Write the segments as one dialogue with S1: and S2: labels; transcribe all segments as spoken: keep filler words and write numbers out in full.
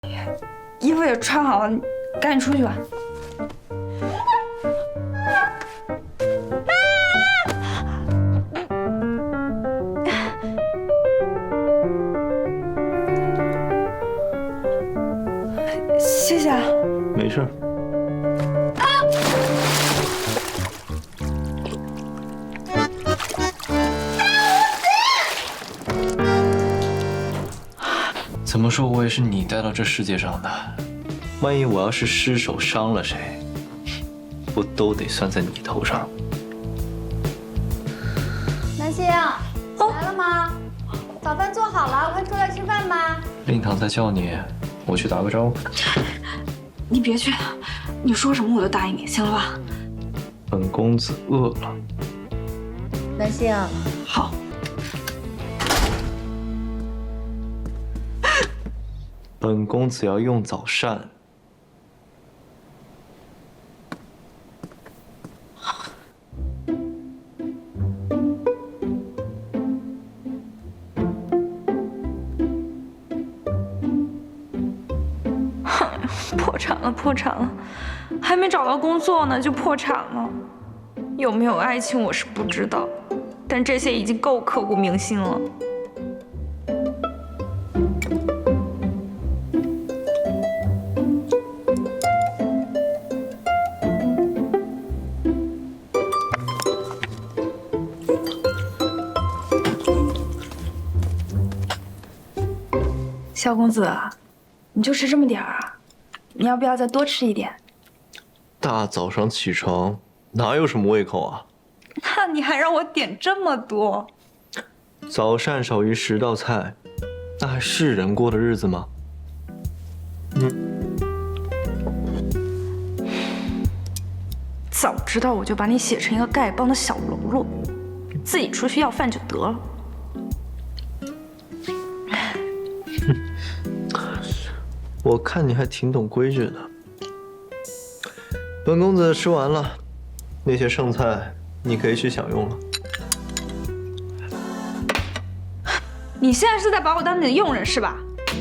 S1: 衣服也穿好了，你赶紧出去吧。谢谢啊。
S2: 没事。怎么说，我也是你带到这世界上的。万一我要是失手伤了谁，不都得算在你头上？
S3: 南星，来了吗？早饭做好了，快出来吃饭吧。
S2: 令堂在叫你，我去打个招呼。
S1: 你别去，你说什么我都答应你，行了吧？
S2: 本公子饿了。
S3: 南星，
S1: 好。
S2: 本公子要用早膳。
S1: 破产了，破产了，还没找到工作呢就破产了。有没有爱情我是不知道，但这些已经够刻骨铭心了。萧公子，你就吃这么点儿啊？你要不要再多吃一点？
S2: 大早上起床哪有什么胃口啊？
S1: 那你还让我点这么多？
S2: 早膳少于十道菜，那还是人过的日子吗？嗯。
S1: 早知道我就把你写成一个丐帮的小喽啰，自己出去要饭就得了。
S2: 我看你还挺懂规矩的。本公子吃完了，那些剩菜你可以去享用了。
S1: 你现在是在把我当你的佣人是吧？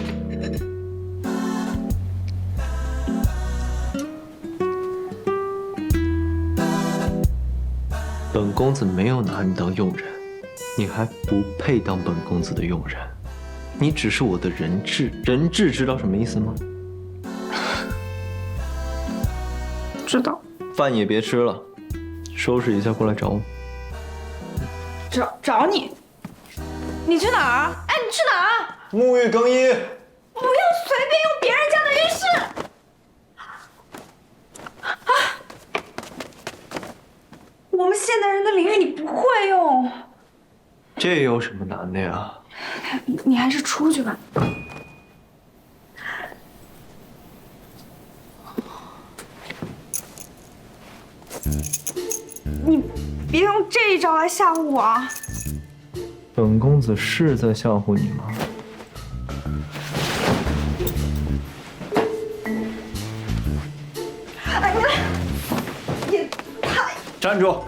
S2: 本公子没有拿你当佣人，你还不配当本公子的佣人。你只是我的人质，人质知道什么意思吗？
S1: 知道。
S2: 饭也别吃了，收拾一下过来找我。
S1: 找找你？你去哪儿？哎，你去哪儿？
S2: 沐浴更衣。
S1: 不要随便用别人家的浴室。啊！我们现代人的淋浴你不会用。
S2: 这有什么难的呀？
S1: 你还是出去吧。你别用这一招来吓唬我啊！
S2: 本公子是在吓唬你吗？
S1: 哎呀，也太……
S2: 站住！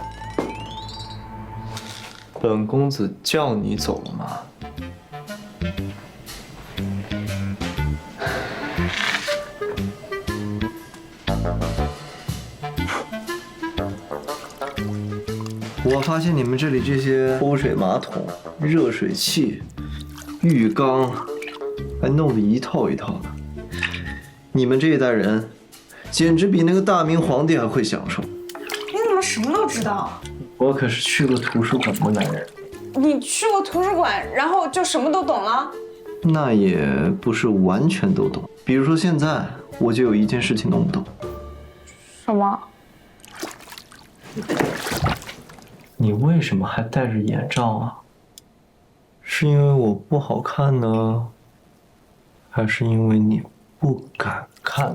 S2: 本公子叫你走了吗？我发现你们这里这些抽水马桶、热水器、浴缸，还弄得一套一套的。你们这一代人，简直比那个大明皇帝还会享受。
S1: 你怎么什么都知道？
S2: 我可是去过图书馆的男人。
S1: 你去过图书馆，然后就什么都懂了？
S2: 那也不是完全都懂。比如说现在，我就有一件事情弄不懂。
S1: 什么？
S2: 你为什么还戴着眼罩啊？是因为我不好看呢，还是因为你不敢看？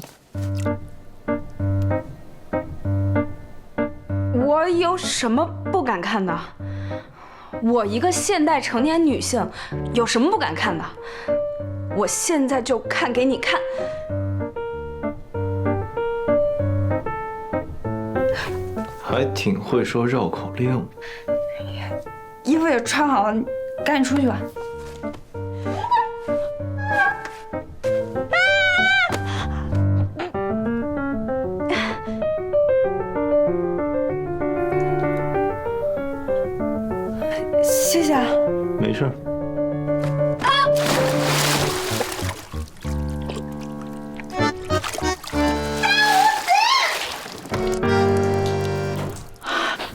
S1: 我有什么不敢看的？我一个现代成年女性，有什么不敢看的？我现在就看给你看。
S2: 还挺会说绕口令。
S1: 衣服也穿好了，你赶紧出去吧。 谢谢啊。
S2: 没事儿。